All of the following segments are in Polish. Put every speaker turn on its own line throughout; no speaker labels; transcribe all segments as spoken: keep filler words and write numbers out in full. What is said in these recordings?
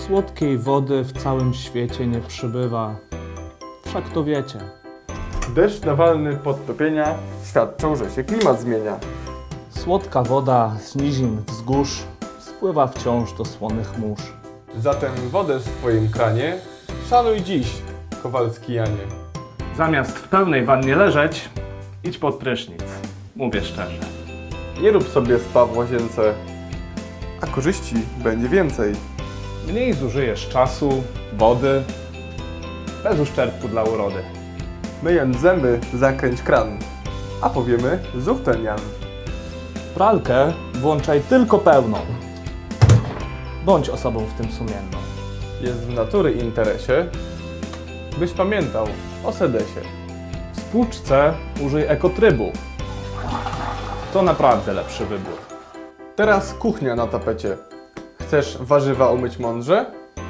Słodkiej wody w całym świecie nie przybywa. Wszak to wiecie.
Deszcz nawalny podtopienia świadczą, że się klimat zmienia.
Słodka woda z nizin wzgórz spływa wciąż do słonych mórz.
Zatem wodę w swoim kranie szanuj dziś, Kowalski Janie.
Zamiast w pełnej wannie leżeć, idź pod prysznic. Mówię szczerze.
Nie rób sobie spa w łazience, a korzyści będzie więcej.
Mniej zużyjesz czasu, wody, bez uszczerbku dla urody.
Myjąc zęby, zakręć kran, a powiemy zów ten Jan.
Pralkę włączaj tylko pełną. Bądź osobą w tym sumienną.
Jest w natury interesie, byś pamiętał o sedesie.
W spłuczce użyj ekotrybu. To naprawdę lepszy wybór.
Teraz kuchnia na tapecie. Chcesz warzywa umyć mądrze?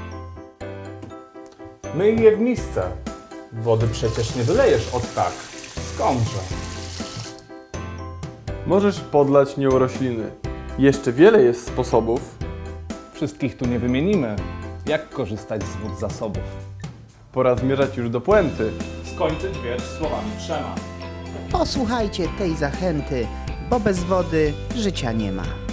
Myj je w misce. Wody przecież nie wylejesz od tak. Skądże?
Możesz podlać nią rośliny. Jeszcze wiele jest sposobów.
Wszystkich tu nie wymienimy. Jak korzystać z wód zasobów?
Pora zmierzać już do puenty.
Skończyć wiersz słowami trzema.
Posłuchajcie tej zachęty, bo bez wody życia nie ma.